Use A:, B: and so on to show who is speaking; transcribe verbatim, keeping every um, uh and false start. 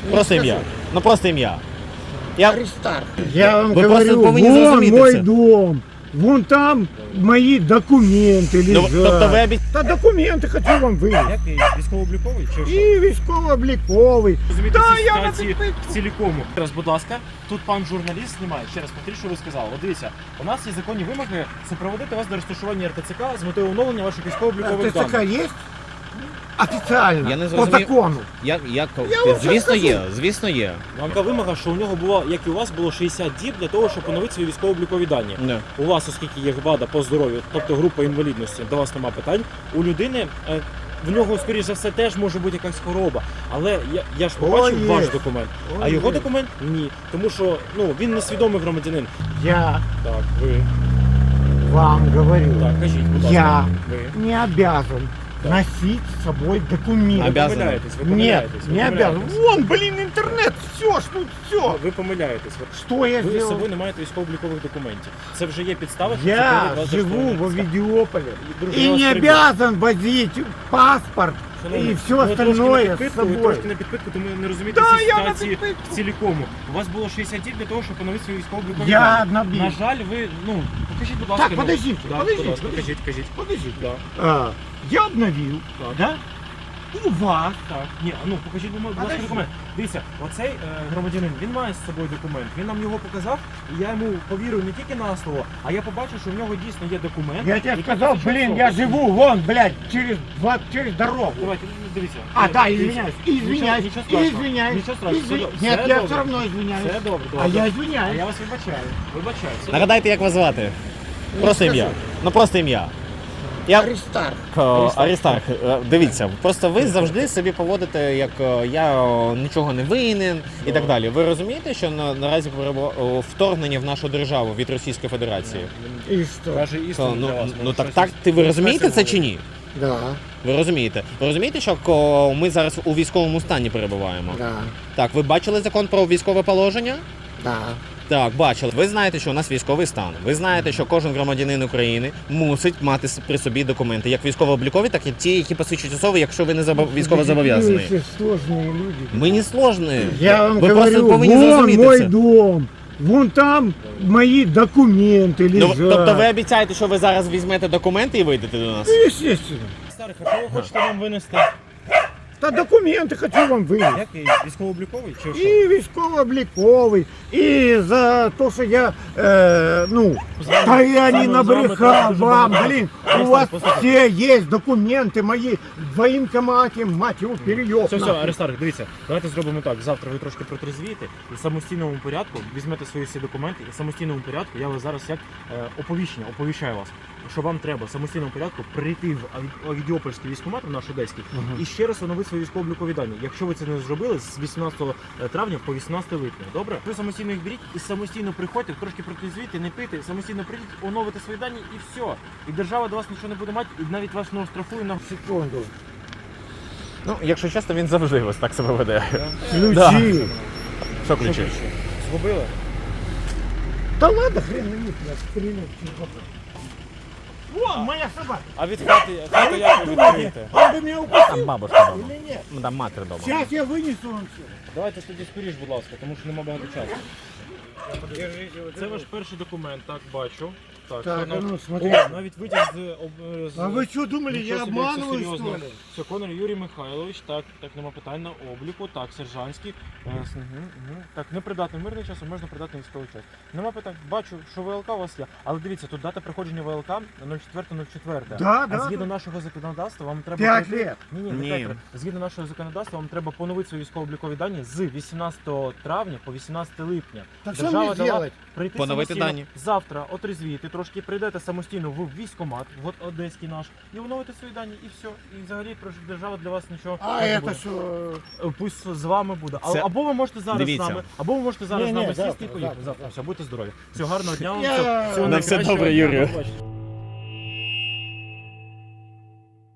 A: Просто ім'я. Ну просто ім'я. Я...
B: Аристарх. Я вам
A: Ви
B: говорю,
A: повинні
B: вон
A: зрозуміти
B: мой
A: це.
B: дом. Вон там мои документы
A: Ну,
B: лежат.
A: тобто ви обіцяєте...
B: Та документи хочу вам вивезти.
C: Який? Військово-обліковий чи що?
B: І військово-обліковий.
C: Розумієте,
B: Та
C: всі
B: я на
C: ситуації
B: підпитку.
C: в цілікому. Зараз, будь ласка, тут пан журналіст знімає. Ще раз повторюю, що ви сказали. От дивіться, у нас є законні вимоги супроводити вас до розташування РТЦК з метою оновлення ваших військово-облікових
B: ТЦК
C: даних.
B: є? Офіційно,
A: Я не
B: по
A: зрозумів.
B: закону.
A: Я, я...
B: Я вам
A: Звісно
B: щас
A: є, звісно є.
C: Вам така вимога, що у нього було, як і у вас, було шістдесят діб для того, щоб поновити свої військово-облікові дані.
A: Не.
C: У вас, оскільки є вада по здоров'ю, тобто група інвалідності, до вас нема питань. У людини, е, в нього, скоріш за все, теж може бути якась хвороба. Але я, я ж побачив
B: О,
C: ваш
B: є.
C: документ,
B: О,
C: а його
B: є.
C: документ ні. Тому що ну, він несвідомий громадянин.
B: Я
C: Так, ви.
B: вам говорю,
C: Так, кажіть, будь ласка.
B: я
C: Ви.
B: не обязан
C: Так.
B: носить с собой документы.
C: Ви
A: Обязаны.
C: помиляєтесь, ви
B: Нет,
C: помиляєтесь. ви
B: не обязан.
C: помиляєтесь.
B: Вон, блин, интернет, все, ж тут все.
C: Ви помиляєтесь. Ви-
B: Что я
C: Ви з
B: сделал?
C: собою не маєте військово-облікових документів. Це вже є підстава, що
B: Я
C: це вас
B: живу в
C: заарештовано.
B: Овидиополе
C: Друже,
B: и
C: я вас
B: не
C: приб'ю.
B: обязан возить паспорт
C: Шановний,
B: и все
C: ви трошки на
B: остальное с
C: підпитку, ви
B: собой.
C: трошки на підпитку, тому не розумієте
B: Да,
C: всі
B: я на
C: ситуації
B: підпитку.
C: в цілікому. У вас було шістдесят діб для того, щоб поновити свої військово-облікові
B: Я
C: дані.
B: набил.
C: На жаль, ви, ну, покажіть, будь ласка.
B: Так,
C: ну,
B: подождите,
C: да,
B: подождите,
C: будь ласка,
B: подождите.
C: кажіть, кажіть.
B: Подождите.
C: Да,
B: А, я обновил,
C: так,
B: да? У вас.
C: так. Ні, ну, покажіть, будь ласка,
B: Подожди.
C: документ. Дивіться, оцей е, громадянин, він має з собою документ. Він нам його показав, і я йому повірив не тільки на слово, а я побачив, що в нього дійсно є документ.
B: Я тебе
C: який
B: сказал,
C: посвідчує
B: блин,
C: особу.
B: я живу вон, блядь, через, два, через дорогу.
C: Давайте, ну, дивіться.
B: А,
C: Е,
B: да,
C: дивіться.
B: извиняюсь,
C: Нічого-
B: извиняюсь,
C: Нічого страшного.
B: извиняюсь.
C: Нічого страшного.
B: извиняюсь.
C: Все
B: Нет,
C: добре.
B: я все равно извиняюсь.
C: Все добре, добре.
B: А я
C: А
B: извиняюсь.
C: я вас вибачаю. Вибачаю. Все
A: Нагадайте, як вас звати? Просто
B: скажу.
A: ім'я. Ну просто ім'я. Я...
B: Аристарх.
A: О, Аристарх, е, дивіться, просто ви завжди собі поводите, як е, я о, нічого не винен і так далі. Ви розумієте, що на, наразі перебу- о, вторгнення в нашу державу від Російської Федерації?
B: И что?
C: Каже істину
A: То, ну,
C: для вас.
A: ну
C: може,
A: так,
C: щось-
A: так, ти ви розумієте це чи ні?
B: Да,
A: Ви розумієте? Ви розумієте, що ко- ми зараз у військовому стані перебуваємо?
B: да,
A: Так, ви бачили закон про військове положення?
B: да.
A: Так, бачили. Ви знаєте, що у нас військовий стан. Ви знаєте, що кожен громадянин України мусить мати с- при собі документи, як військово-облікові, так і ті, які посвідчують особи, якщо ви не забо- військово
B: Вы
A: зобов'язані.
B: все сложные люди.
A: Ми не сложні.
B: Я вам
A: ви
B: говорю,
A: просто повинні
B: вон
A: зрозуміти
B: мой
A: це.
B: дом. Вон там мои документы
A: Ну,
B: лежат.
A: тобто ви обіцяєте, що ви зараз візьмете документи і вийдете до нас?
B: Естественно.
C: Старих, а що ви хочете нам винести?
B: Та документы хочу вам вывести.
C: Який? Військово-обліковий чи що?
B: І військово-обліковий, і за те, що я, е, ну,
C: З вами-
B: та я
C: з
B: не
C: вами- з вами
B: набрехав
C: треба дуже
B: вам,
C: багато.
B: блін, у
C: Аристарх,
B: вас
C: послухайте.
B: все є документи мої в воєнкоматі, мать його, перейоб.
C: Все, все, Аристарх, дивіться, давайте зробимо так. Завтра ви трошки протрезвієте і в самостійному порядку візьмете свої всі документи і в самостійному порядку я вас зараз як е, оповіщення, оповіщаю вас, що вам треба в самостійному порядку прийти в Ові- Овідіопольський військкомат, в наш одеський, і ще раз оновити свої військово-облікові дані. Якщо ви це не зробили з вісімнадцятого травня по вісімнадцяте липня, добре? Ви самостійно їх беріть і самостійно приходьте, трошки протрезвіти, не пити, самостійно прийдіть, оновити свої дані і все. І держава до вас нічого не буде мати, і навіть вас не оштрафує на
B: Секунду.
A: Ну, якщо чесно, він завжди ось так себе веде.
B: Ключі.
A: Да. Що ключі?
C: Згубили?
B: Та ладно, хрен на них, я стрілю. О, моя собака.
C: А від хати, хати як ви відкриєте?
B: Он бы меня укусил
A: Там бабушка вдома.
B: или нет?
A: Ну, там матір вдома.
B: Сейчас я вынесу вам все.
C: Давайте тоді скоріш, будь ласка, тому що нема багато часу. Це ваш перший документ, так, бачу. Так,
B: Так,
C: Конор-
B: а ну,
C: О,
B: смотри.
C: навіть витяг з... об- з...
B: А вы что думали,
C: Нічого
B: я
C: собі, як все
B: обманываю,
C: серйозно.
B: что ли?
C: Все, Конор Юрій Михайлович, так, так, нема питань на обліку, так, сержантський. Е, с- мгм, мгм. Так, непридатний мирний час, а можна придатний військовий час. Нема питань, бачу, що ВЛК у вас є, але дивіться, тут дата приходження ВЛК четверте четверте.
B: Да,
C: А
B: да,
C: згідно
B: да.
C: нашого законодавства вам треба...
B: П'ять
C: пройти-
B: лет.
C: Ні, ні,
A: Ні.
C: не п'ять. Згідно нашого законодавства вам треба поновити свої військово-облікові дані з вісімнадцятого травня по вісімнадцяте липня.
B: Так что
C: Держава
B: мне
C: дала
B: делать?
C: прийти
A: Поновити
C: самостійно.
A: дані.
C: Завтра отрезвіти, трошки прийдете самостійно в військкомат, от одеський наш, і оновите свої дані, і все. І взагалі про- держава для вас нічого
B: А
C: не
B: это
C: буде.
B: что?
C: Е, Пусть з вами буде. А-
A: Це-
C: Або ви можете зараз
A: Дивіться.
C: з нами, або ви можете зараз
B: Ні,
C: з
B: ні,
C: нами
B: завтра,
C: сісти і поїхати.
B: завтра,
C: Завтра. Все, будьте здорові. Всього гарного дня вам.
B: Я-
C: всього- всього
A: На все
C: найкращого.
A: добре, Юрію.
C: До побачення.